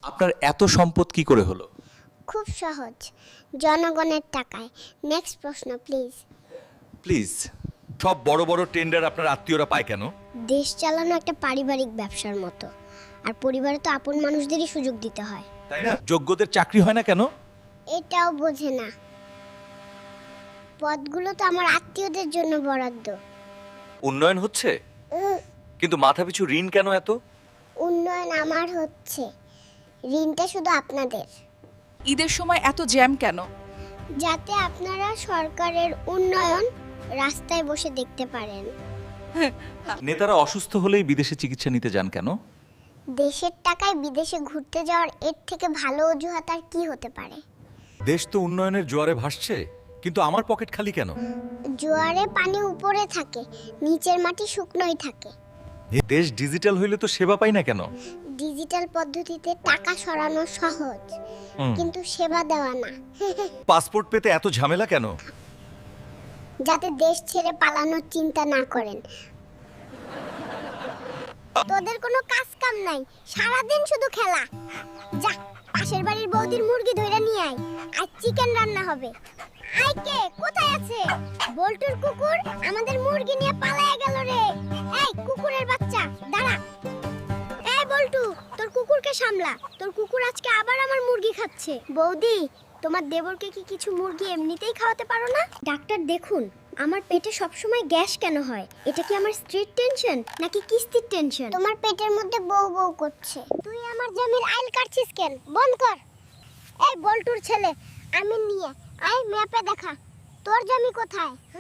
আপনার এত সম্পদ কি করে হলো? খুব সহজ, জনগণের টাকায়। নেক্সট প্রশ্ন প্লিজ। প্লিজ। সব বড় বড় টেন্ডার আপনার আত্মীয়রা পায় কেন? দেশ চালানো একটা পারিবারিক ব্যবসার মতো, আর পরিবারে তো আপন মানুষদেরই সুযোগ দিতে হয়। তাই না? যোগ্যদের চাকরি হয় না কেন? এটাও বোঝে না। পদগুলো তো আমার আত্মীয়দের জন্য বরাদ্দ। উন্নয়ন হচ্ছে, কিন্তু মাথাপিছু ঋণ কেন এত? উন্নয়ন আমার হচ্ছে, ঋণটা শুধু আপনাদের। ঈদের সময় এত জ্যাম কেন? যাতে আপনারা সরকারের উন্নয়ন রাস্তায় বসে দেখতে পারেন। নেতারা অসুস্থ হলেই বিদেশে চিকিৎসা নিতে যান কেন? দেশের টাকায় বিদেশে ঘুরতে যাওয়ার এর থেকে ভালো অজুহাত আর কি হতে পারে? দেশ তো উন্নয়নের জোয়ারে ভাসছে, কিন্তু আমার পকেট খালি কেন? জোয়ারে পানি উপরে থাকে, নিচের মাটি শুকনোই থাকে। দেশ ডিজিটাল হইলে তো সেবা পাই না কেন? ডিজিটাল পদ্ধতিতে টাকা সরানো সহজ, কিন্তু সেবা দেওয়া না। পাসপোর্ট পেতে এত ঝামেলা কেন? যাতে দেশ ছেড়ে পালানোর চিন্তা না করেন। তোদের কোনো কাজ কাম নাই, সারাদিন শুধু খেলা। যা, পাশের বাড়ির বৌদির মুরগি ধইরা নিয়ে আয়, আজ চিকেন রান্না হবে। আই কে কোথায় আছে? বল্টুর কুকুর আমাদের মুরগি নিয়ে পালায়া গেল রে। এই কুকুরের বাচ্চা, দাঁড়া। এই বল্টু, তোর কুকুরকে সামলা, তোর কুকুর আজকে আবার আমার মুরগি খাচ্ছে। বৌদি, তোমার দেবরকে কি কিছু মুরগি এমনিতেই খাওয়াতে পারো না? ডাক্তার দেখুন, আমার পেটে সবসময় গ্যাস কেন হয়? এটা কি আমার স্ট্রিট টেনশন নাকি কিস্তির টেনশন? তোমার পেটের মধ্যে বউ বউ করছে। তুই আমার জমির আইল কাটছিস কেন? বন্ধ কর। এই বল্টুর ছেলে, আমি নিয়ে আয় ম্যাপে দেখা তোর জমি কোথায়।